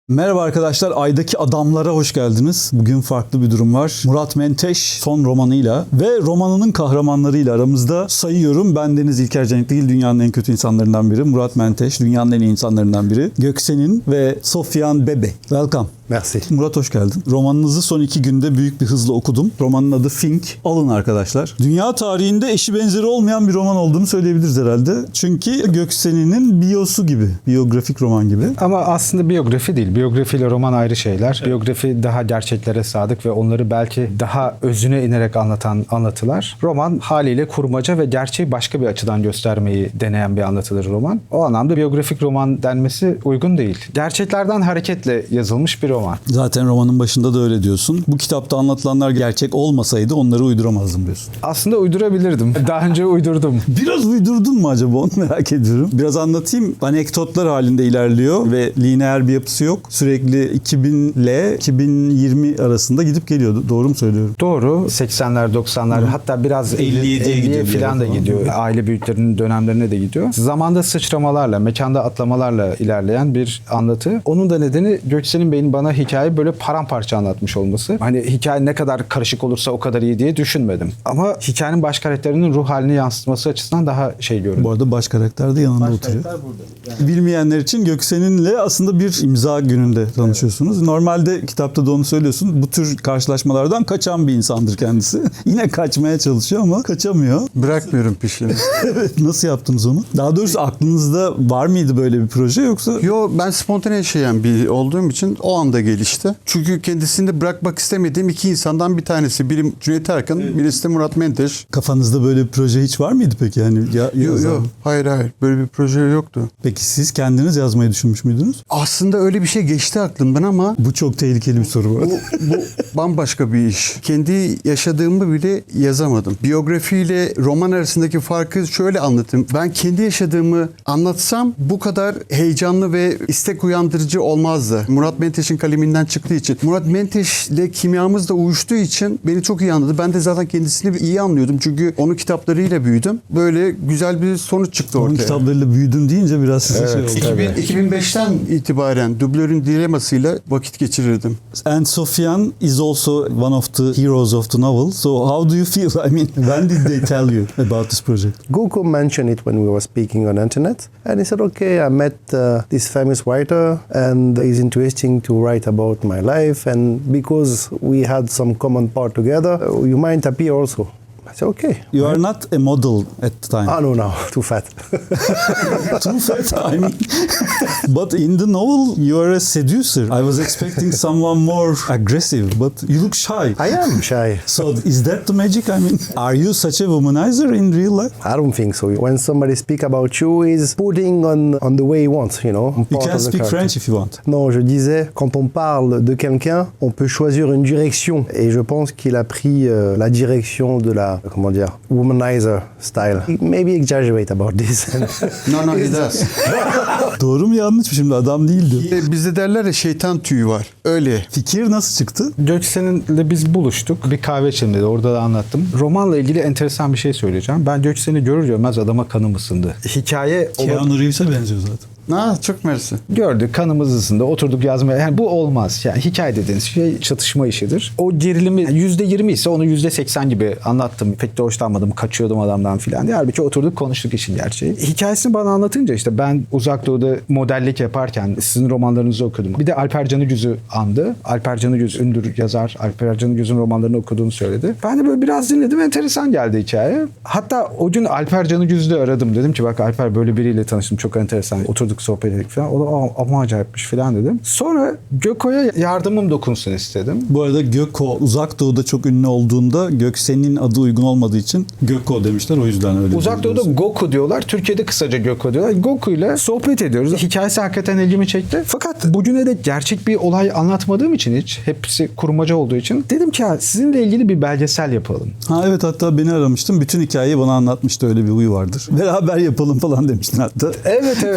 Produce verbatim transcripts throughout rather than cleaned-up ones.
Merhaba arkadaşlar, Ay'daki Adamlara hoş geldiniz. Bugün farklı bir durum var. Murat Menteş son romanıyla ve romanının kahramanlarıyla aramızda sayıyorum. Ben Deniz İlker Canik değil, dünyanın en kötü insanlarından biri. Murat Menteş, dünyanın en iyi insanlarından biri. Göksen'in ve Sofyan Bebe. Welcome. Merci. Murat hoş geldin. Romanınızı son iki günde büyük bir hızla okudum. Romanın adı Fink. Alın arkadaşlar. Dünya tarihinde eşi benzeri olmayan bir roman olduğunu söyleyebiliriz herhalde. Çünkü Göksen'in biyosu gibi. Biyografik roman gibi. Ama aslında biyografi değil. Biyografi ile roman ayrı şeyler. Evet. Biyografi daha gerçeklere sadık ve onları belki daha özüne inerek anlatan anlatılar. Roman haliyle kurmaca ve gerçeği başka bir açıdan göstermeyi deneyen bir anlatıdır roman. O anlamda biyografik roman denmesi uygun değil. Gerçeklerden hareketle yazılmış bir roman. Zaten romanın başında da öyle diyorsun. Bu kitapta anlatılanlar gerçek olmasaydı onları uyduramazdım diyorsun. Aslında uydurabilirdim. Daha önce uydurdum. Biraz uydurdun mu acaba, onu merak ediyorum. Biraz anlatayım. Anekdotlar halinde ilerliyor ve lineer bir yapısı yok. Sürekli iki bin ile iki bin yirmi arasında gidip geliyordu. Doğru mu söylüyorum? Doğru. seksenler, doksanlar, Hı. hatta biraz elliye falan da gidiyor. Aile büyüklerinin dönemlerine de gidiyor. Zamanda sıçramalarla, mekanda atlamalarla ilerleyen bir anlatı. Onun da nedeni Göksen'in benim bana hikaye böyle paramparça anlatmış olması. Hani hikaye ne kadar karışık olursa o kadar iyi diye düşünmedim. Ama hikayenin baş karakterinin ruh halini yansıtması açısından daha şey görünüyor. Bu arada baş karakter de yanında baş oturuyor. Yani. Bilmeyenler için Göksen'inle aslında bir imza gününde tanışıyorsunuz. Evet. Normalde kitapta da onu söylüyorsun. Bu tür karşılaşmalardan kaçan bir insandır kendisi. Yine kaçmaya çalışıyor ama kaçamıyor. Bırakmıyorum peşini. Evet. Nasıl yaptınız onu? Daha doğrusu aklınızda var mıydı böyle bir proje yoksa? Yo, ben spontane yaşayan bir olduğum için o anda gelişti. Çünkü kendisini de bırakmak istemediğim iki insandan bir tanesi. Biri Cüneyt Arkın, evet. Birisi de Murat Menteş. Kafanızda böyle bir proje hiç var mıydı peki? Yani ya, yok yok. Hayır hayır. Böyle bir proje yoktu. Peki siz kendiniz yazmayı düşünmüş müydünüz? Aslında öyle bir şey geçti aklımdan ama... Bu çok tehlikeli bir soru bu. Bu, bu bambaşka bir iş. Kendi yaşadığımı bile yazamadım. Biyografiyle roman arasındaki farkı şöyle anlatayım. Ben kendi yaşadığımı anlatsam bu kadar heyecanlı ve istek uyandırıcı olmazdı. Murat Menteş'in kaleminden çıktığı için. Murat Menteş'le kimyamız da uyuştuğu için beni çok iyi anladı. Ben de zaten kendisini iyi anlıyordum. Çünkü onun kitaplarıyla büyüdüm. Böyle güzel bir sonuç çıktı ortaya. Onun kitaplarıyla büyüdün deyince biraz size evet, şey oldu. iki bin, iki bin beşten itibaren dublörün dilemasıyla vakit geçirirdim. And Sofyan is also one of the heroes of the novel. So how do you feel? I mean, when did they tell you about this project? Goko mentioned it when we were speaking on internet. And he said, okay, I met uh, this famous writer and it's interesting to write about my life, and because we had some common part together, you might appear also. I said, okay. You are not a model at the time. Oh, no, no, too fat. Too fat, I mean. But in the novel, you are a seducer. I was expecting someone more aggressive, but you look shy. I am shy. So is that the magic? I mean, are you such a womanizer in real life? I don't think so. When somebody speaks about you, he's putting on, on the way he wants, you know. You can speak French if you want. Non, je disais, quand on parle de quelqu'un, on peut choisir une direction. Et je pense qu'il a pris euh, la direction de la, comment dire, womanizer style. He maybe exaggerate about this. No, no, he does. Doğru mu yanlış mı şimdi? Adam değildi. Bizde derler ya, şeytan tüyü var. Öyle. Fikir nasıl çıktı? Göksen'le biz buluştuk. Bir kahve içelim dedi. Orada da anlattım. Romanla ilgili enteresan bir şey söyleyeceğim. Ben Göksen'i görür görmez adama kanım ısındı. Hikaye... Keanu Reeves'e benziyor zaten. Ha, çok mersi. Gördük, kanımız ısındı, oturduk yazmaya. Yani bu olmaz. Yani hikaye dediğiniz şey çatışma işidir. O gerilimi yüzde yirmi ise onu yüzde seksen gibi anlattım. Pek de hoşlanmadım, kaçıyordum adamdan filan diye. Halbuki oturduk, konuştuk işin gerçeği. Hikayesini bana anlatınca işte ben Uzak Doğu'da modellik yaparken sizin romanlarınızı okudum. Bir de Alper Canıgüz'ü andı. Alper Canıgüz ünlü yazar. Alper Canıgüz'ün romanlarını okuduğunu söyledi. Ben de böyle biraz dinledim. Enteresan geldi hikaye. Hatta o gün Alper Canıgüz'ü de aradım. Dedim ki bak Alper, böyle biriyle tanıştım. Çok enteresan. Oturduk, sohbet ettik falan. O da ama acayipmiş falan dedim. Sonra Göko'ya yardımım dokunsun istedim. Bu arada Göko Uzak Doğu'da çok ünlü olduğunda Göksen'in adı uygun olmadığı için Göko demişler. O yüzden öyle. Uzak Doğu'da Goku diyorlar. Türkiye'de kısaca Göko diyorlar. Goku ile sohbet ediyoruz. Hikayesi hakikaten ilgimi çekti. Fakat bugüne de gerçek bir olay anlatmadığım için hiç. Hepsi kurmaca olduğu için. Dedim ki ya sizinle ilgili bir belgesel yapalım. Ha evet, hatta beni aramıştım. Bütün hikayeyi bana anlatmıştı. Öyle bir huyu vardır. Beraber yapalım falan demiştin hatta. Evet evet. Ya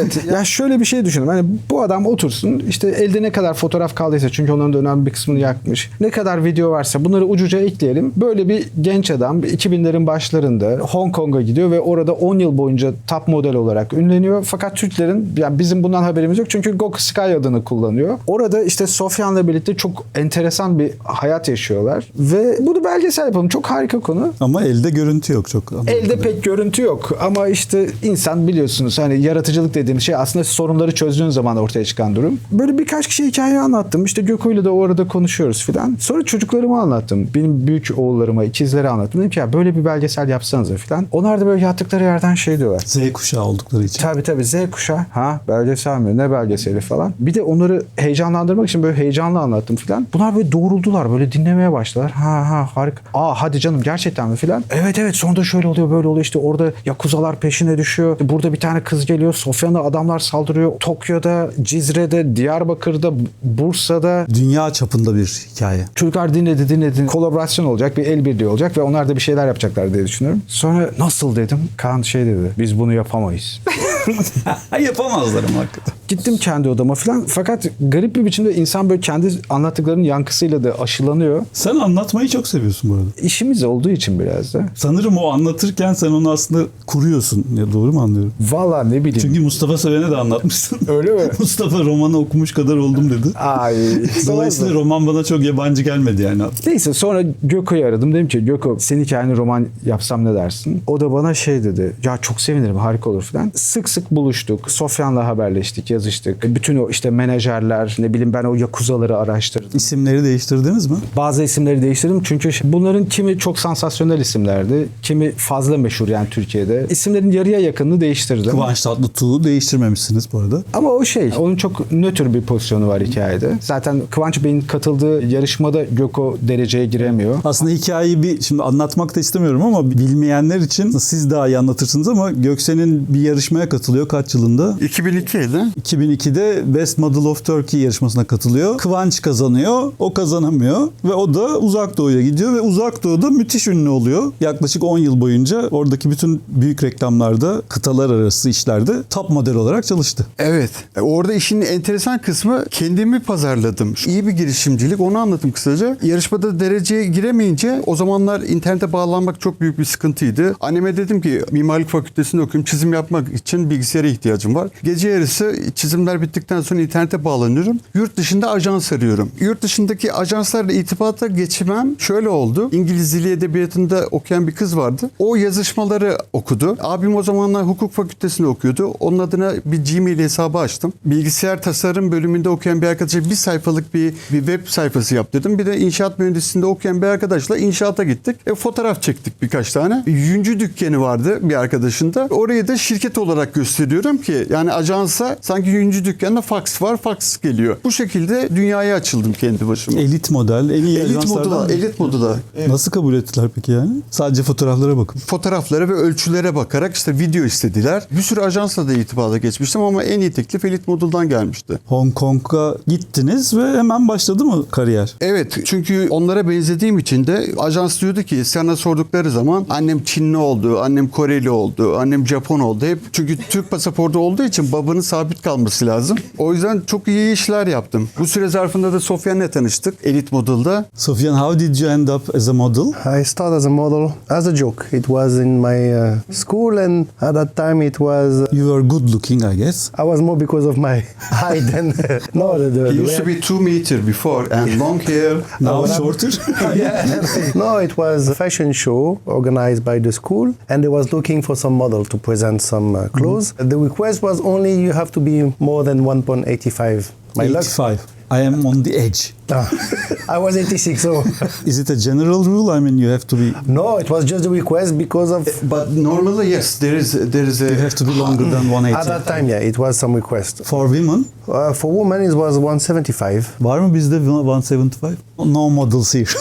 şöyle bir şey düşünün. Hani bu adam otursun işte elde ne kadar fotoğraf kaldıysa çünkü onların da önemli bir kısmını yakmış. Ne kadar video varsa bunları ucuca ekleyelim. Böyle bir genç adam iki binlerin başlarında Hong Kong'a gidiyor ve orada on yıl boyunca top model olarak ünleniyor. Fakat Türklerin yani bizim bundan haberimiz yok çünkü Goku Sky adını kullanıyor. Orada işte Sofyan'la birlikte çok enteresan bir hayat yaşıyorlar ve bunu belgesel yapalım. Çok harika konu. Ama elde görüntü yok çok. Elde pek görüntü yok ama işte insan biliyorsunuz hani yaratıcılık dediğimiz şey aslında sorunları çözdüğün zaman ortaya çıkan durum. Böyle birkaç kişi hikaye anlattım. İşte Göko'yla da orada konuşuyoruz filan. Sonra çocuklarıma anlattım. Benim büyük oğullarıma, ikizlere anlattım. Dedim ki ya böyle bir belgesel yapsanıza filan. Onlar da böyle yattıkları yerden şey diyorlar. Z kuşağı oldukları için. Tabii tabii Z kuşağı. Ha belgesel mi? Ne belgeseli falan. Bir de onları heyecanlandırmak için böyle heyecanlı anlattım filan. Bunlar böyle doğruldular. Böyle dinlemeye başladılar. Ha ha harika. Aa hadi canım gerçekten mi filan. Evet evet sonunda şöyle oluyor böyle oluyor. İşte orada yakuzalar peşine düşüyor. Burada bir tane kız geliyor. Sofyan'a adamlar saldırıyor. Tokyo'da, Cizre'de, Diyarbakır'da, Bursa'da. Dünya çapında bir hikaye. Çocuklar dinledi dinledi. Kolaborasyon olacak. Bir el birliği olacak ve onlar da bir şeyler yapacaklar diye düşünüyorum. Sonra nasıl dedim. Kaan şey dedi. Biz bunu yapamayız. Yapamazlar ama hakikaten. Gittim kendi odama falan. Fakat garip bir biçimde insan böyle kendi anlattıklarının yankısıyla da aşılanıyor. Sen anlatmayı çok seviyorsun bu arada. İşimiz olduğu için biraz da. Sanırım o anlatırken sen onu aslında kuruyorsun. Ya doğru mu anlıyorum? Vallahi ne bileyim. Çünkü Mustafa Seven'e de anlatmışsın. Öyle mi? Mustafa romanı okumuş kadar oldum dedi. Ay. Dolayısıyla roman bana çok yabancı gelmedi yani. Neyse sonra Göko'yu aradım. Dedim ki Göko senin hikayeni roman yapsam ne dersin? O da bana şey dedi. Ya çok sevinirim harika olur falan. Sık sık buluştuk. Sofyan'la haberleştik, yazıştık. Bütün o işte menajerler ne bileyim ben o yakuzaları araştırdım. İsimleri değiştirdiniz mi? Bazı isimleri değiştirdim çünkü bunların kimi çok sansasyonel isimlerdi. Kimi fazla meşhur yani Türkiye'de. İsimlerin yarıya yakınını değiştirdim. Kıvanç Tatlıtuğ'u değiştirmemişsiniz bu arada. Ama o şey, onun çok nötr bir pozisyonu var hikayede. Zaten Kıvanç Bey'in katıldığı yarışmada Göko dereceye giremiyor. Aslında hikayeyi bir şimdi anlatmak da istemiyorum ama bilmeyenler için siz daha iyi anlatırsınız ama Göksen'in bir yarışmaya katılıyor kaç yılında? iki bin ikiydi. iki bin ikide Best Model of Turkey yarışmasına katılıyor. Kıvanç kazanıyor, o kazanamıyor ve o da Uzak Doğu'ya gidiyor ve Uzak Doğu'da müthiş ünlü oluyor. Yaklaşık on yıl boyunca oradaki bütün büyük reklamlarda, kıtalar arası işlerde top model olarak çalıştı. Evet. E, Orada işin enteresan kısmı kendimi pazarladım. İyi bir girişimcilik, onu anlattım kısaca. Yarışmada dereceye giremeyince o zamanlar internete bağlanmak çok büyük bir sıkıntıydı. Anneme dedim ki mimarlık fakültesinde okuyorum. Çizim yapmak için bilgisayara ihtiyacım var. Gece yarısı çizimler bittikten sonra internete bağlanıyorum. Yurt dışında ajans arıyorum. Yurt dışındaki ajanslarla irtibata geçmem şöyle oldu. İngiliz Dili Edebiyatı'nda okuyan bir kız vardı. O yazışmaları okudu. Abim o zamanlar hukuk fakültesinde okuyordu. Onun adına bir Gmail hesabı açtım. Bilgisayar tasarım bölümünde okuyan bir arkadaşa bir sayfalık bir, bir web sayfası yaptırdım. Bir de inşaat mühendisliğinde okuyan bir arkadaşla inşaata gittik. E, fotoğraf çektik birkaç tane. Yüncü dükkanı vardı bir arkadaşında. Orayı da şirket olarak gösteriyorum ki yani ajansa sanki yüncü dükkanında fax var, fax geliyor. Bu şekilde dünyaya açıldım kendi başıma. Elit model, en iyi Elit ajanslardan moda, mı? elit moda. Nasıl kabul ettiler peki yani? Sadece fotoğraflara bakın. Fotoğraflara ve ölçülere bakarak işte video istediler. Bir sürü ajansla da irtibata geçmiştim ama en iyi teklif Elit Model'dan gelmişti. Hong Kong'a gittiniz ve hemen başladı mı kariyer? Evet, çünkü onlara benzediğim için de ajans diyordu ki sana sordukları zaman annem Çinli oldu, annem Koreli oldu, annem Japon oldu. Hep çünkü Türk pasaportu olduğu için babanın sabit kalması lazım. O yüzden çok iyi işler yaptım. Bu süre zarfında da Sofyan'la tanıştık Elit Model'da. Sofyan, how did you end up as a model? I started as a model as a joke. It was in my uh, school, and at that time it was. You were good looking, I guess. I was more because of my height than no. The, the, He the used to be two meter before and long hair. Now what shorter. no, it was a fashion show organized by the school, and they was looking for some model to present some uh, clothes. The request was only you have to be more than one point eight five. My luck. eighty-five. I am on the edge. Ah, I was eighty-six, so Is it a general rule? I mean, you have to be. no, it was just a request because of. But normally yes, there is there is a You have to be longer than one At eighty. that time, yeah, it was some request. For women, Uh, for women, it was one seventy-five. Var mı bizde one seventy-five? No models here.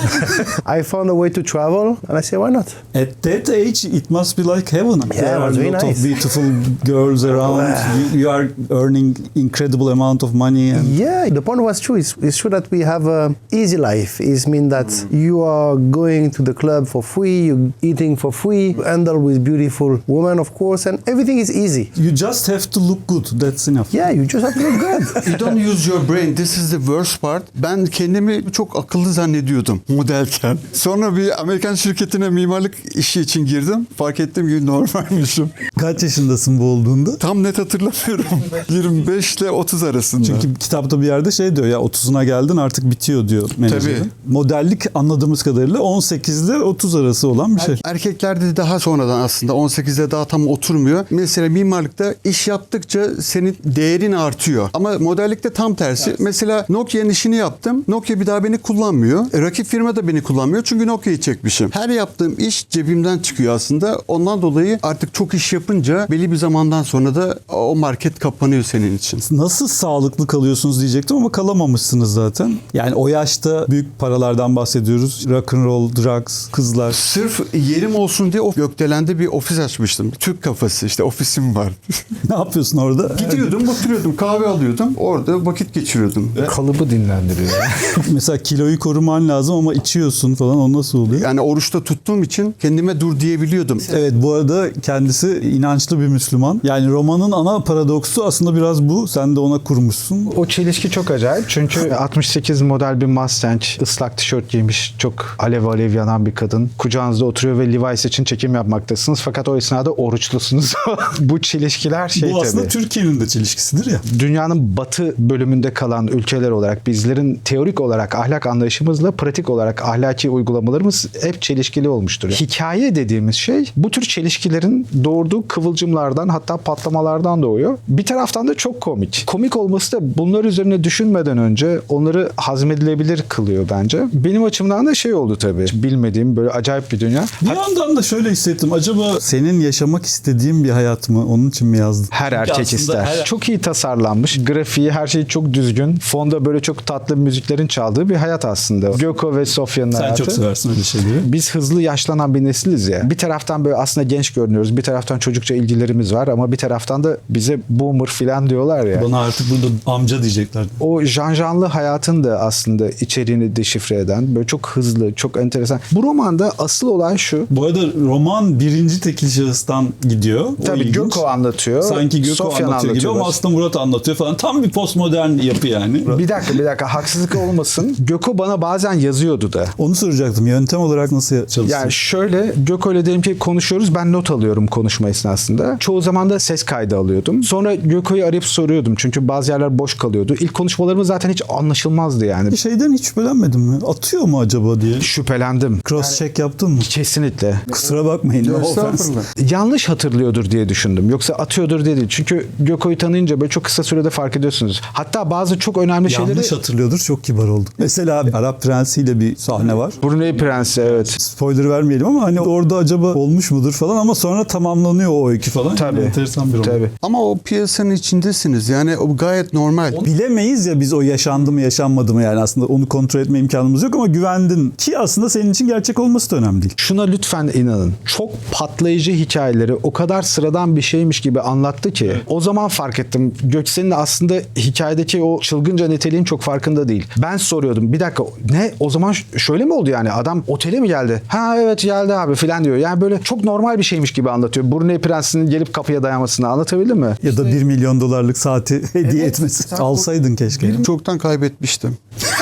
I found a way to travel, and I said, why not? At that age, it must be like heaven. There it are was a very lot nice. of beautiful girls around. you, you are earning incredible amount of money. And Yeah, the point was true. It's, it's true that we have a easy life. It means that you are going to the club for free, you're eating for free, handle with beautiful women, of course, and everything is easy. you just have to look good. That's enough. Yeah, you just have to look good. You don't use your brain. This is the worst part. Ben kendimi çok akıllı zannediyordum modelken. Sonra bir Amerikan şirketine mimarlık işi için girdim. Fark ettim ki normalmişim. Kaç yaşındasın bu olduğunda? Tam net hatırlamıyorum. yirmi beş ile otuz arasında. Çünkü kitapta bir yerde şey diyor ya otuzuna geldin artık bitiyor diyor menajerin. Tabii. Modellik anladığımız kadarıyla on sekiz ile otuz arası olan bir şey. Erkeklerde daha sonradan aslında on sekizde daha tam oturmuyor. Mesela mimarlıkta iş yaptıkça senin değerin artıyor. Ama modellikte tam tersi. Mesela Nokia'nın işini yaptım. Nokia bir daha beni kullanmıyor. E, rakip firma da beni kullanmıyor. Çünkü Nokia'yı çekmişim. Her yaptığım iş cebimden çıkıyor aslında. Ondan dolayı artık çok iş yapınca belli bir zamandan sonra da o market kapanıyor senin için. Nasıl sağlıklı kalıyorsunuz diyecektim ama kalamamışsınız zaten. Yani o yaşta büyük paralardan bahsediyoruz. Rock and roll, drugs, kızlar. Sırf yerim olsun diye o Gökdelen'de bir ofis açmıştım. Türk kafası işte ofisim var. Ne yapıyorsun orada? Gidiyordum, oturuyordum, kahve alıyordum. Orada vakit geçiriyordum. Kalıbı dinlendiriyor. Mesela kiloyu koruman lazım ama içiyorsun falan, o nasıl oluyor? Yani oruçta tuttuğum için kendime dur diyebiliyordum. Evet, bu arada kendisi inançlı bir Müslüman. Yani romanın ana paradoksu aslında biraz bu. Sen de ona kurmuşsun. O çelişki çok acayip çünkü altmış sekiz model bir Mustang, ıslak tişört giymiş, çok alev alev yanan bir kadın. Kucağınızda oturuyor ve Levi's için çekim yapmaktasınız. Fakat o esnada oruçlusunuz. Bu çelişkiler şey bu aslında tabii. Türkiye'nin de çelişkisidir ya. Dünyanın batı bölümünde kalan ülkeler olarak bizlerin teorik olarak ahlak anlayışımızla pratik olarak ahlaki uygulamalarımız hep çelişkili olmuştur. Hikaye dediğimiz şey bu tür çelişkilerin doğurduğu kıvılcımlardan, hatta patlamalardan doğuyor. Bir taraftan da çok komik. Komik olması da bunlar üzerine düşünmeden önce onları hazmedilebilir kılıyor bence. Benim açımdan da şey oldu tabii. Bilmediğim böyle acayip bir dünya. Bir yandan da şöyle hissettim. Acaba senin yaşamak istediğin bir hayat mı? Onun için mi yazdın? Her Çünkü erkek aslında ister. her- Çok iyi tasarlanmış. Grafiği, her şey çok düzgün. Fonda böyle çok tatlı müziklerin çaldığı bir hayat aslında. Göko ve Sofya'nın Sen hayatı. çok seversin öyle şeyleri. Biz hızlı yaşlanan bir nesiliz ya. Bir taraftan böyle aslında genç görünüyoruz. Bir taraftan çocukça ilgilerimiz var ama bir taraftan da bize boomer filan diyorlar ya. Bana artık burada amca diyecekler. O janjanlı hayatın da aslında içeriğini deşifre eden böyle çok hızlı, çok enteresan. Bu romanda asıl olay şu. Bu arada roman birinci tekil şahıstan gidiyor. O Tabii ilginç. Göko anlatıyor. Sanki Göko Sofyan anlatıyor gibi ama anlatıyorlar. aslında Murat anlatıyor falan. Tam bir postmodern yapı yani. Bir dakika bir dakika haksızlık olmasın. Göko bana bazen yazıyordu da. Onu soracaktım. Yöntem olarak nasıl çalıştın? Yani şöyle Göko ile diyelim ki konuşuyoruz, ben not alıyorum konuşma esnasında. Çoğu zaman da ses kaydı alıyordum. Sonra Göko'yu arayıp soruyordum çünkü bazı yerler boş kalıyordu. İlk konuşmalarımız zaten hiç anlaşılmazdı yani. Şeyden hiç şüphelenmedin mi? Atıyor mu acaba diye. Şüphelendim. Cross check yaptın mı? Kesinlikle. Kusura bakmayın. No offense. Estağfurullah. Yanlış hatırlıyordur diye düşündüm. Yoksa atıyordur diye değil. Çünkü Göko'yu tanıyınca böyle çok kısa sürede fark ediyorsunuz. Hatta bazı çok önemli şeyleri... Yanlış hatırlıyordur. Çok kibar olduk. Mesela Arap Prensi'yle bir sahne var. Brunei Prensi evet. Spoiler vermeyelim ama hani orada acaba olmuş mudur falan ama sonra tamamlanıyor o öykü falan. Tabii. Yani enteresan bir roman. Tabii. Ama o piyasanın içindesiniz. Yani o gayet normal. Bilemeyiz ya biz o yaşandı mı yaşanmadı mı yani aslında onu kontrol etme imkanımız yok ama güvendin ki aslında senin için gerçek olması da önemli değil. Şuna lütfen inanın. Çok patlayıcı hikayeleri o kadar sıradan bir şeymiş gibi anlattı ki o zaman fark ettim. Göksel'in aslında hikayedeki o çılgınca niteliğin çok farkında değil. Ben soruyordum bir dakika ne o zaman ş- şöyle mi oldu yani adam otele mi geldi? Ha evet geldi abi filan diyor. Yani böyle çok normal bir şeymiş gibi anlatıyor. Brunei Prensi'nin gelip kapıya dayanmasını anlatabildim mi? Ya da bir milyon dolarlık saati hediye etmesi. Alsaydın keşke. Çoktan kaybetmiştim.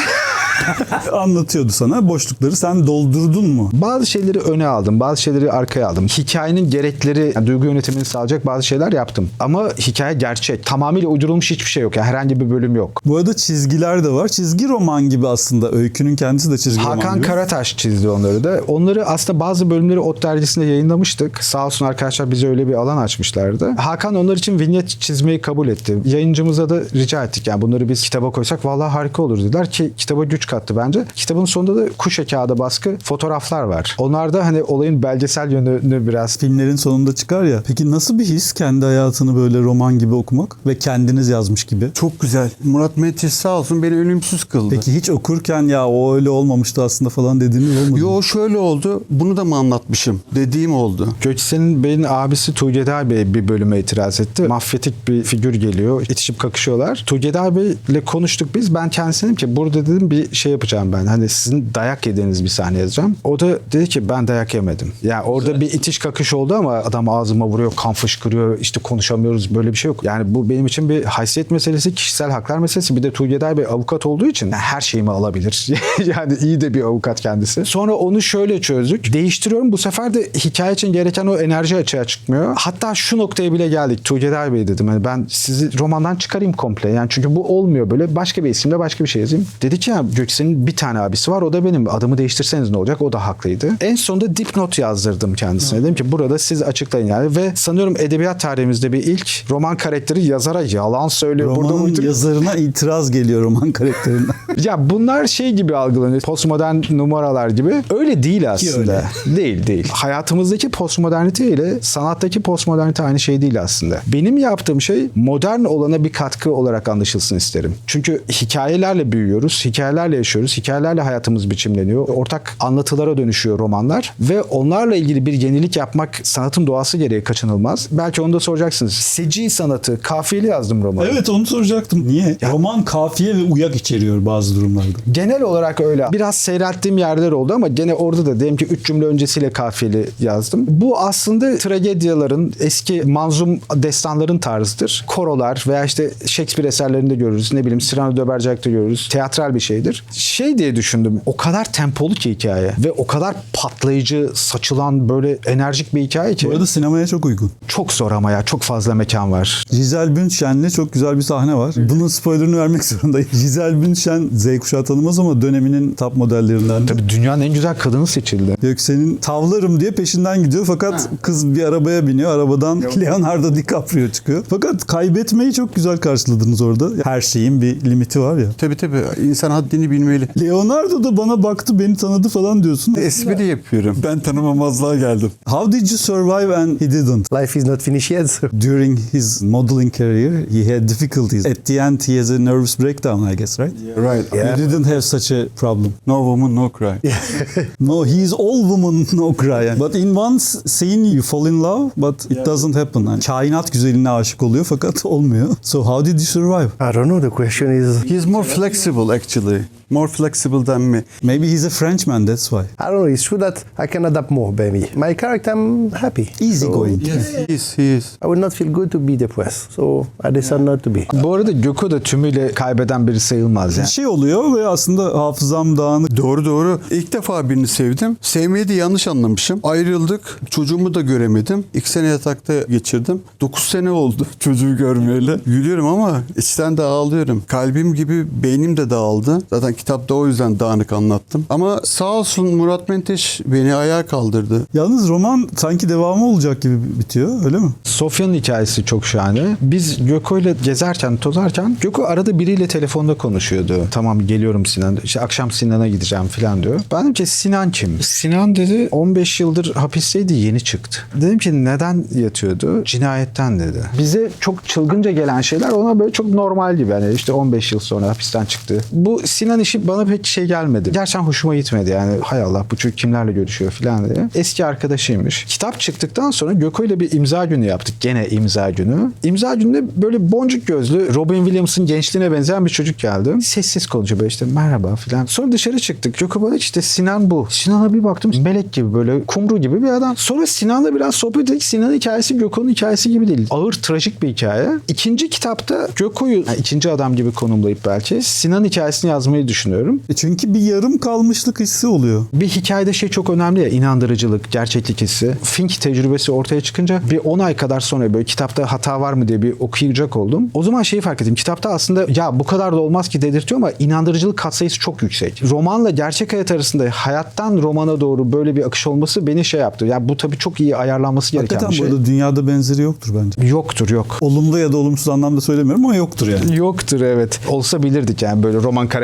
Anlatıyordu sana. Boşlukları sen doldurdun mu? Bazı şeyleri öne aldım, bazı şeyleri arkaya aldım. Hikayenin gerekleri, yani duygu yönetimini sağlayacak bazı şeyler yaptım. Ama hikaye gerçek. Tamamıyla uydurulmuş hiçbir şey yok. Yani herhangi bir bölüm yok. Bu arada çizgiler de var. Çizgi roman gibi aslında. Öykünün kendisi de çizgi roman Hakan gibi. Karataş çizdi onları da. Onları aslında bazı bölümleri Ot dergisinde yayınlamıştık. Sağ olsun arkadaşlar bize öyle bir alan açmışlardı. Hakan onlar için vinyet çizmeyi kabul etti. Yayıncımıza da rica ettik. Yani bunları biz kitaba koysak vallahi harika olur dediler ki kitaba güç kattı bence. Kitabın sonunda da kuşe kağıda baskı fotoğraflar var. Onlarda hani olayın belgesel yönünü biraz... Filmlerin sonunda çıkar ya. Peki nasıl bir his kendi hayatını böyle roman gibi okumak ve kendiniz yazmış gibi? Çok güzel. Murat Menteş sağ olsun beni ölümsüz kıldı. Peki hiç okurken ya o öyle olmamıştı aslında falan dediğiniz olmadı mı? Yo şöyle oldu. Bunu da mı anlatmışım? Dediğim oldu. Göksel'in Bey'in abisi Tuğgeder Bey bir bölüme itiraz etti. Mafyatik bir figür geliyor. İtişip kakışıyorlar. Tuğgeder Bey'le konuştuk biz. Ben kendisine dedim ki burada dedim bir şey yapacağım ben. Hani sizin dayak yediğiniz bir sahne yazacağım. O da dedi ki ben dayak yemedim. Yani orada Güzel. bir itiş kakış oldu ama adam ağzıma vuruyor, kan fışkırıyor. İşte konuşamıyoruz. Böyle bir şey yok. Yani bu benim için bir haysiyet meselesi, kişisel haklar meselesi. Bir de Tuğgeder Bey avukat olduğu için her şeyimi alabilir. Yani iyi de bir avukat kendisi. Sonra onu şöyle çözdük. Değiştiriyorum. Bu sefer de hikaye için gereken o enerji açığa çıkmıyor. Hatta şu noktaya bile geldik. Tuğgeder Bey dedim. Hani ben sizi romandan çıkarayım komple. Yani çünkü bu olmuyor böyle. Başka bir isimle başka bir şey yazayım. Dedi ki ya Göksel'in bir tane abisi var. O da benim. Adımı değiştirseniz ne olacak? O da haklıydı. En sonunda dipnot yazdırdım kendisine. Dedim ki burada siz açıklayın yani. Ve sanıyorum edebiyat tarihimizde bir ilk roman karakteri yazara yalan söylüyor. Romanın burada yazarına itiraz geliyor roman karakterinden. Ya bunlar şey gibi algılanıyor. Postmodern numaralar gibi. Öyle değil aslında. öyle. Değil değil. Hayatımızdaki postmodernite ile sanattaki postmodernite aynı şey değil aslında. Benim yaptığım şey modern olana bir katkı olarak anlaşılsın isterim. Çünkü hikayelerle büyüyoruz. Hikayelerle yaşıyoruz. Hikayelerle hayatımız biçimleniyor. Ortak anlatılara dönüşüyor romanlar. Ve onlarla ilgili bir yenilik yapmak sanatın doğası gereği kaçınılmaz. Belki onu da soracaksınız. Seci sanatı, kafiyeli yazdım romanı. Evet onu soracaktım. Niye? Ya- Roman kafiye ve uyak içeriyor bazı durumlarda. Genel olarak öyle. Biraz seyrelttiğim yerler oldu ama gene orada da diyelim ki üç cümle öncesiyle kafiyeli yazdım. Bu aslında tragedyaların, eski manzum destanların tarzıdır. Korolar veya işte Shakespeare eserlerinde görürüz. Ne bileyim Cyrano de Bergerac'ta görürüz. Teatral bir şeydir. Şey diye düşündüm. O kadar tempolu ki hikaye ve o kadar patlayıcı, saçılan böyle enerjik bir hikaye ki. Bu arada sinemaya çok uygun. Çok zor ama ya. Çok fazla mekan var. Giselle Bündchen'le çok güzel bir sahne var. Bunun spoilerını vermek zorundayım. Giselle Bündchen Z kuşağı tanımaz ama döneminin top modellerinden. Tabii dünyanın en güzel kadını seçildi. Göksel'in tavlarım diye peşinden gidiyor fakat kız bir arabaya biniyor. Arabadan Leonardo DiCaprio çıkıyor. Fakat kaybetmeyi çok güzel karşıladınız orada. Her şeyin bir limiti var ya. Tabii tabii. İnsan haddini bilmeli. Leonardo da bana baktı, beni tanıdı falan diyorsun. Espri yapıyorum. Ben tanımamazlığa geldim. How did you survive and he didn't? Life is not finished yet. So. During his modeling career, he had difficulties. At the end, he has a nervous breakdown, I guess, right? Right. Yeah. You didn't have such a problem. No woman, no cry. No, he is all woman, no cry. But in one scene you fall in love, but it doesn't happen. Yani kainat güzeline aşık oluyor fakat olmuyor. So how did you survive? I don't know. The question is, He's more flexible actually. More flexible than me. Maybe he's a Frenchman, that's why. I don't know. It's true that I can adapt more, maybe. My character, I'm happy. Easy So, going. Yes, he is. He is. I would not feel good to be depressed. So I decided not to be. Bu arada Gökü da tümüyle kaybeden biri sayılmaz yani. Bir şey oluyor ve aslında hafızam dağınık. Doğru doğru. İlk defa birini sevdim. Sevmeyi de yanlış anlamışım. Ayrıldık. Çocuğumu da göremedim. İki sene yatakta geçirdim. Dokuz sene oldu çocuğu görmeyeli. Gülüyorum ama içten de ağlıyorum. Kalbim gibi beynim de dağıldı. Zaten kitapta o yüzden dağınık anlattım. Ama sağ olsun Murat Menteş beni ayağa kaldırdı. Yalnız roman sanki devamı olacak gibi bitiyor, öyle mi? Sofya'nın hikayesi çok şahane. Biz Göko'yla gezerken, tozarken Göko arada biriyle telefonda konuşuyordu. Tamam geliyorum Sinan. İşte akşam Sinan'a gideceğim falan diyor. Ben dedim ki Sinan kim? Sinan dedi on beş yıldır hapisteydi, yeni çıktı. Dedim ki neden yatıyordu? Cinayetten dedi. Bize çok çılgınca gelen şeyler ona böyle çok normal gibi. Yani işte on beş yıl sonra hapisten çıktı. Bu Sinan işi bana pek şey gelmedi. Gerçekten hoşuma gitmedi yani. Hay Allah bu çocuk kimlerle görüşüyor falan diye. Eski arkadaşıymış. Kitap çıktıktan sonra Göko ile bir imza günü yaptık. Gene imza günü. İmza gününde böyle boncuk gözlü Robin Williams'ın gençliğine benzeyen bir çocuk geldi. Sessiz konuşuyor böyle işte merhaba falan. Sonra dışarı çıktık. Göko bana işte Sinan bu. Sinan'a bir baktım melek gibi böyle kumru gibi bir adam. Sonra Sinan'la biraz sohbet ettik. Sinan'ın hikayesi Göko'nun hikayesi gibi değil. Ağır trajik bir hikaye. İkinci kitapta Göko'yu yani ikinci adam gibi konumlayıp belki Sinan'ın hikayesini yazmayı düşünüyorum. E çünkü bir yarım kalmışlık hissi oluyor. Bir hikayede şey çok önemli ya, inandırıcılık, gerçeklik hissi. Fink tecrübesi ortaya çıkınca bir on ay kadar sonra böyle kitapta hata var mı diye bir okuyacak oldum. O zaman şeyi fark ettim. Kitapta aslında ya bu kadar da olmaz ki dedirtiyor ama inandırıcılık katsayısı çok yüksek. Romanla gerçek hayat arasında hayattan romana doğru böyle bir akış olması beni şey yaptı. Ya bu tabii çok iyi ayarlanması gereken Hakikaten bir şey. burada dünyada benzeri yoktur bence. Yoktur yok. Olumlu ya da olumsuz anlamda söylemiyorum ama yoktur yani. Yoktur evet. Olsa bilirdik yani böyle roman karakterleriyle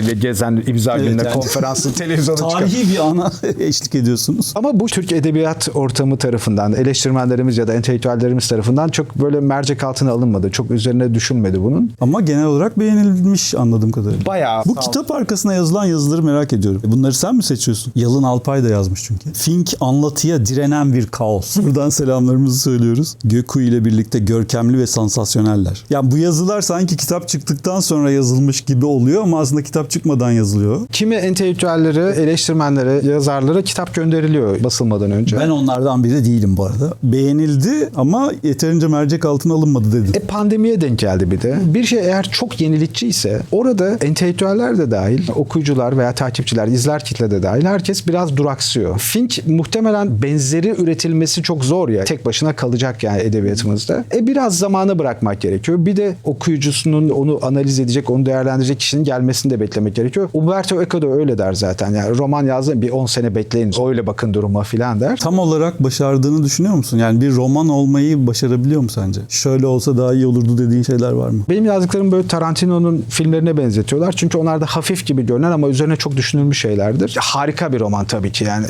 böyle gezen imza Evet, gününe yani. konferanslı televizyona çıkan. Tarihi bir ana eşlik ediyorsunuz. Ama bu Türk edebiyat ortamı tarafından, eleştirmenlerimiz ya da entelektüellerimiz tarafından çok böyle mercek altına alınmadı. Çok üzerine düşünmedi bunun. Ama genel olarak beğenilmiş anladığım kadarıyla. Bayağı. Bu kitap arkasına yazılan yazıları merak ediyorum. Bunları sen mi seçiyorsun? Yalın Alpay da yazmış çünkü. Fink anlatıya direnen bir kaos. Buradan selamlarımızı söylüyoruz. Göku ile birlikte görkemli ve sansasyoneller. Yani bu yazılar sanki kitap çıktıktan sonra yazılmış gibi oluyor ama aslında kitap çıkmadan yazılıyor. Kimi entelektüellere, eleştirmenlere, yazarlara kitap gönderiliyor basılmadan önce. Ben onlardan biri değilim bu arada. Beğenildi ama yeterince mercek altına alınmadı dedim. E pandemiye denk geldi bir de. Bir şey eğer çok yenilikçi ise orada entelektüeller de dahil, okuyucular veya takipçiler, izler kitle de dahil herkes biraz duraksıyor. Fink muhtemelen benzeri üretilmesi çok zor ya. Tek başına kalacak yani edebiyatımızda. E biraz zamana bırakmak gerekiyor. Bir de okuyucusunun onu analiz edecek, onu değerlendirecek kişinin gelmesini de beklemek gerekiyor. Umberto Eco da öyle der zaten. Yani roman yazdı bir on sene bekleyin. Öyle bakın duruma filan der. Tam olarak başardığını düşünüyor musun? Yani bir roman olmayı başarabiliyor mu sence? Şöyle olsa daha iyi olurdu dediğin şeyler var mı? Benim yazdıklarım böyle Tarantino'nun filmlerine benzetiyorlar. Çünkü onlar da hafif gibi görünen ama üzerine çok düşünülmüş şeylerdir. Ya, harika bir roman tabii ki yani.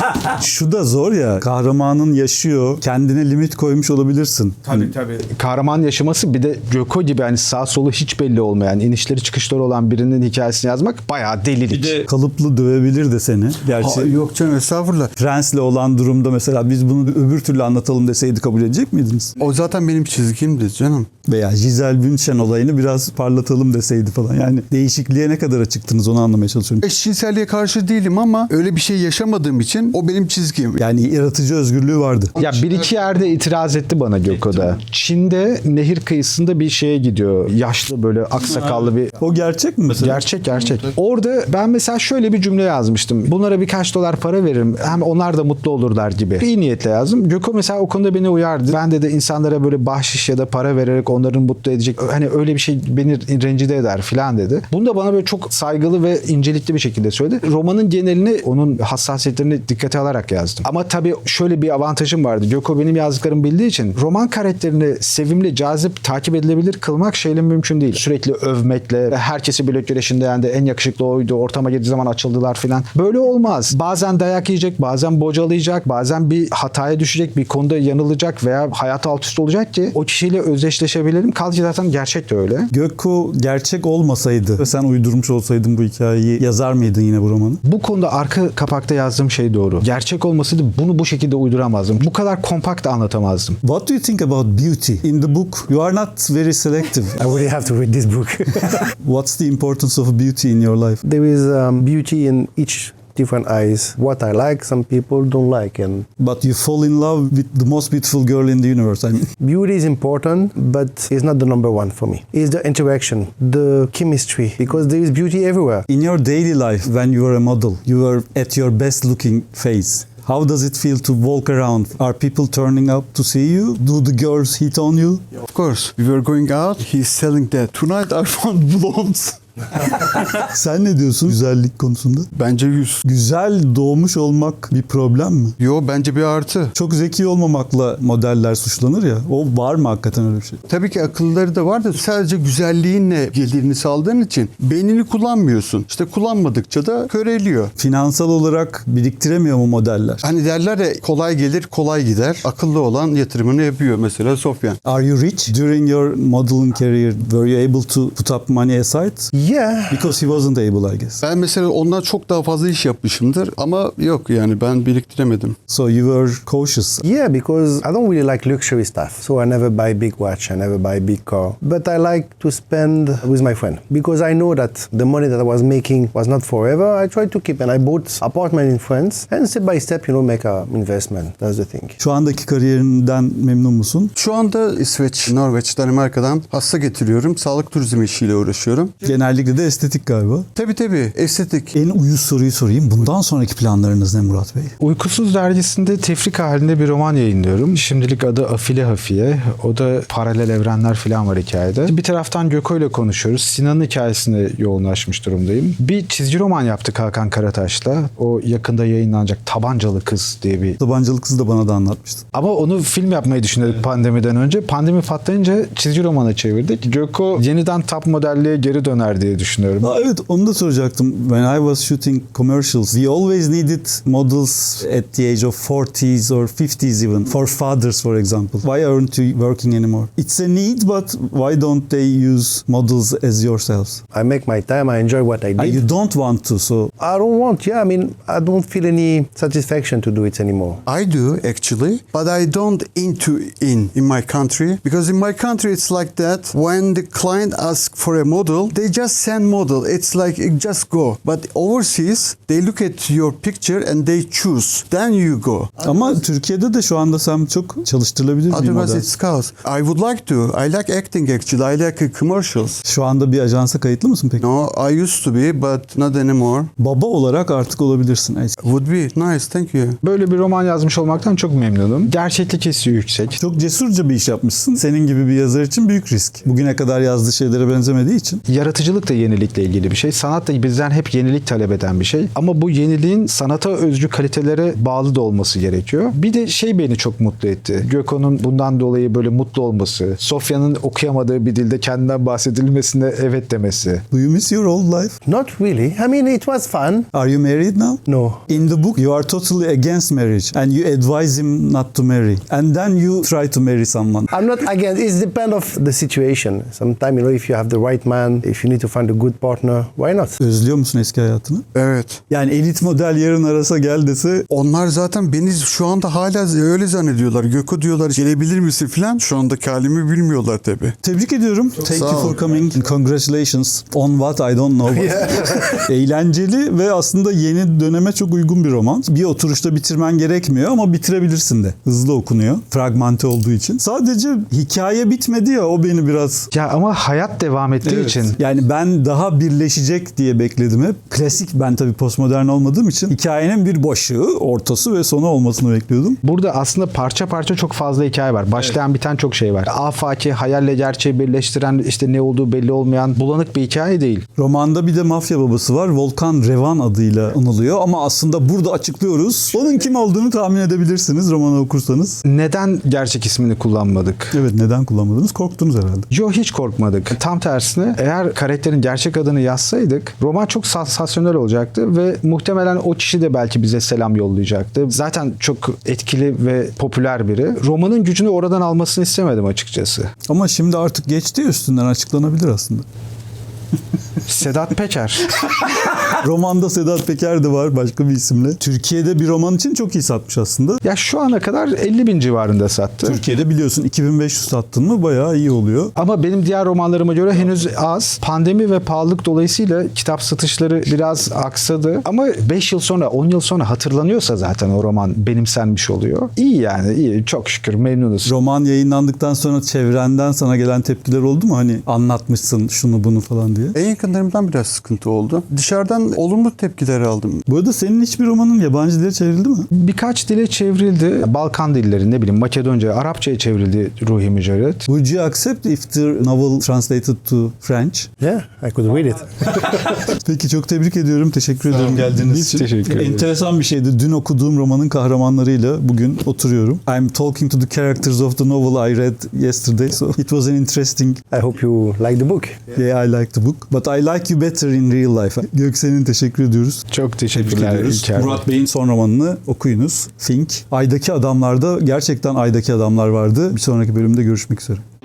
Şu da zor ya. Kahramanın yaşıyor. Kendine limit koymuş olabilirsin. Tabii tabii. Kahraman yaşaması bir de Göko gibi hani sağ solu hiç belli olmayan, inişleri çıkışları olan birinin hikayesini yazmak bayağı delilik. Bir de kalıplı dövebilir de seni. Gerçi Aa, yok canım estağfurullah. Prens'le olan durumda mesela biz bunu öbür türlü anlatalım deseydi kabul edecek miydiniz? O zaten benim çizgimdi canım. Veya Giselle Bündchen olayını biraz parlatalım deseydi falan. Yani değişikliğe ne kadar açıktınız onu anlamaya çalışıyorum. Eşcinselliğe karşı değilim ama öyle bir şey yaşamadığım için o benim çizgim. Yani yaratıcı özgürlüğü vardı. Ya bir iki yerde itiraz etti bana Göko'da. Çin'de nehir kıyısında bir şeye gidiyor. Yaşlı böyle aksakallı bir... O gerçek mi mesela? Gerçek gerçek. Orada ben mesela şöyle bir cümle yazmıştım. Bunlara birkaç dolar para veririm. Hem onlar da mutlu olurlar gibi. İyi niyetle yazdım. Göko mesela o konuda beni uyardı. Ben de de insanlara böyle bahşiş ya da para vererek onların mutlu edecek. Hani öyle bir şey beni rencide eder filan dedi. Bunu da bana böyle çok saygılı ve incelikli bir şekilde söyledi. Romanın genelini onun hassasiyetlerini dikkate alarak yazdım. Ama tabii şöyle bir avantajım vardı. Göko benim yazdıklarımı bildiği için roman karakterini sevimli, cazip, takip edilebilir kılmak şeyle mümkün değil. Sürekli övmekle, herkesi blok güreşinde yendi, en yakışıklı oydu, ortama girdiği zaman açıldılar filan. Böyle olmaz. Bazen dayak yiyecek, bazen bocalayacak, bazen bir hataya düşecek, bir konuda yanılacak veya hayat alt üst olacak ki o kişiyle özdeşleşebilirim. Kaldı ki zaten gerçek de öyle. Gökku gerçek olmasaydı ve sen uydurmuş olsaydın bu hikayeyi yazar mıydın yine bu romanı? Bu konuda arka kapakta yazdığım şey doğru. Gerçek olmasaydı bunu bu şekilde uyduramazdım. Bu kadar kompakt anlatamazdım. What do you think about beauty? In the book, you are not very selective. I really have to read this book. What's the importance of beauty in your life? There is um, beauty in each different eyes. What I like, some people don't like, and But you fall in love with the most beautiful girl in the universe. I mean, beauty is important, but it's not the number one for me. It's the interaction, the chemistry, because there is beauty everywhere. in your daily life, when you are a model, you are at your best looking face. How does it feel to walk around? Are people turning up to see you? Do the girls hit on you? Of course. We were going out. He's selling that. Tonight I found blondes. Sen ne diyorsun güzellik konusunda? Bence yüz. Güzel doğmuş olmak bir problem mi? Yo bence bir artı. Çok zeki olmamakla modeller suçlanır ya. O var mı hakikaten öyle bir şey? Tabii ki akılları da var da sadece güzelliğinle gelirini saldığın için beynini kullanmıyorsun. İşte kullanmadıkça da köreliyor. Finansal olarak biriktiremiyor mu modeller? Hani derler ya kolay gelir kolay gider. Akıllı olan yatırımını yapıyor mesela Sofyan. Are you rich? During your modeling career, were you able to put up money aside? Yeah. Because he wasn't able, I guess. Ben mesela ondan çok daha fazla iş yapmışımdır ama yok yani ben biriktiremedim. So you were cautious. Yeah, because I don't really like luxury stuff. So I never buy big watch, I never buy big car. But I like to spend with my friend because I know that the money that I was making was not forever. I tried to keep and I bought apartment in France and step by step, you know, make a investment. That's the thing. Şu andaki kariyerinden memnun musun? Şu anda İsveç, Norveç, Danimarka'dan hasta getiriyorum. Sağlık turizmi işiyle uğraşıyorum. Genellikle de estetik galiba. Tabii tabii estetik. En uyuz soruyu sorayım. Bundan sonraki planlarınız ne Murat Bey? Uykusuz dergisinde tefrik halinde bir roman yayınlıyorum. Şimdilik adı Afile Hafiye. O da paralel evrenler falan var hikayede. Bir taraftan Göko ile konuşuyoruz. Sinan'ın hikayesine yoğunlaşmış durumdayım. Bir çizgi roman yaptık Hakan Karataş'la. O yakında yayınlanacak Tabancalı Kız diye bir... Tabancalı Kızı da bana da anlatmıştın. Ama onu film yapmayı düşünüyorduk pandemiden önce. Pandemi patlayınca çizgi romana çevirdik. Göko yeniden top modelliğe geri döner eder diye düşünüyorum. Aa, evet, onu da soracaktım. When I was shooting commercials, we always needed models at the age of forties or fifties even. For fathers, for example. Why aren't you working anymore? It's a need, but why don't they use models as yourselves? I make my time. I enjoy what I Ah, did. you don't want to, so... I don't want. Yeah, I mean, I don't feel any satisfaction to do it anymore. I do actually, but I don't into in in my country because in my country it's like that. When the client asks for a model, they just send model. It's like just go. But overseas, they look at your picture and they choose. Then you go. Ama Türkiye'de de şu anda sen çok çalıştırılabilir bir Otherwise model. it's chaos. I would like to. I like acting actually. I like commercials. Şu anda bir ajansa kayıtlı mısın peki? No, I used to be, but not anymore. Baba olarak artık olabilirsin. Would be nice. Thank you. Böyle bir roman yazmış olmaktan çok memnunum. Gerçeklik hissi yüksek. Çok cesurca bir iş yapmışsın. Senin gibi bir yazar için büyük risk. Bugüne kadar yazdığı şeylere benzemediği için. Yaratıcılık da yenilikle ilgili bir şey. Sanat da bizden hep yenilik talep eden bir şey. Ama bu yeniliğin sanata özgü kalitelere bağlı da olması gerekiyor. Bir de şey beni çok mutlu etti. Gökhan'ın bundan dolayı böyle mutlu olması. Sofya'nın okuyamadığı bir dilde kendinden bahsedilmesine evet demesi. Do you miss your old life? Not really. I mean, it was fun. Are you married now? No. In the book, you are totally against marriage and you advise him not to marry. And then you try to marry someone. I'm not against. It's depend of the situation. Sometimes, you know, if you have the right man, if you need to find a good partner, why not? Özlüyor musun eski hayatını? Evet. Yani elit model yarın arasa gel dese Onlar zaten beni şu anda hala öyle zannediyorlar. Gökü diyorlar gelebilir misin falan. Şu andaki halimi bilmiyorlar tabii. tebrik ediyorum. Thank sağ you ol. for coming. Congratulations on what I don't know. Eğlenceli ve aslında yeni döneme çok uygun bir roman. Bir oturuşta bitirmen gerekmiyor ama bitirebilirsin de. Hızlı okunuyor. Fragmente olduğu için. Sadece hikaye bitmedi ya, o beni biraz... Ya ama hayat devam ettiği Evet. için Yani ben daha birleşecek diye bekledim hep. Klasik, ben tabii postmodern olmadığım için hikayenin bir başı, ortası ve sonu olmasını bekliyordum. burada aslında parça parça çok fazla hikaye var. Başlayan biten çok şey var. Afaki, hayalle gerçeği birleştiren, işte ne olduğu belli olmayan bulanık bir hikaye değil. Romanda bir de mafya babası var. Volkan Revan adıyla anılıyor ama aslında burada açıklıyoruz. Onun kim olduğunu tahmin edebilirsiniz romanı okursanız. Neden gerçek ismini kullanmadık? Evet, neden kullanmadınız? Korktunuz herhalde. Yo, hiç korkmadık. Tam tersine eğer karakterin gerçek adını yazsaydık roman çok sansasyonel olacaktı ve muhtemelen o kişi de belki bize selam yollayacaktı. Zaten çok etkili ve popüler biri. Romanın gücünü oradan almasını istemedim açıkçası. Ama şimdi artık geçti ya, üstünden açıklanabilir aslında. Sedat Peker. Romanda Sedat Peker de var başka bir isimle. Türkiye'de bir roman için çok iyi satmış aslında. Ya şu ana kadar elli bin civarında sattı. Türkiye'de biliyorsun iki bin beş yüz sattın mı bayağı iyi oluyor. Ama benim diğer romanlarıma göre henüz az. Pandemi ve pahalılık dolayısıyla kitap satışları biraz aksadı. Ama beş yıl sonra, on yıl sonra hatırlanıyorsa zaten o roman benimsenmiş oluyor. İyi yani, iyi. Çok şükür memnunuz. Roman yayınlandıktan sonra çevrenden sana gelen tepkiler oldu mu? Hani anlatmışsın şunu bunu falan diye. En yakınlarımdan biraz sıkıntı oldu. Dışarıdan olumlu tepkiler aldım. Bu arada senin hiçbir romanın yabancı dile çevrildi mi? Birkaç dile çevrildi. Balkan dilleri, ne bileyim Makedonca, Arapçaya çevrildi Ruhi Mücerret. Would you accept if the novel translated to French? Yeah, I could read it. Peki, çok tebrik ediyorum. Teşekkür ederim geldiğiniz Biz için. teşekkür ederiz. Enteresan bir şeydi. Dün okuduğum romanın kahramanlarıyla bugün oturuyorum. I'm talking to the characters of the novel I read yesterday. So it was an interesting... I hope you like the book. Yeah, I like the book. But I like you better in real life. Göksel'in teşekkür ediyoruz. Çok Tebrik teşekkürler ediyoruz. İlker. Murat Bey'in son romanını okuyunuz. Think. Ay'daki adamlarda gerçekten Ay'daki adamlar vardı. Bir sonraki bölümde görüşmek üzere.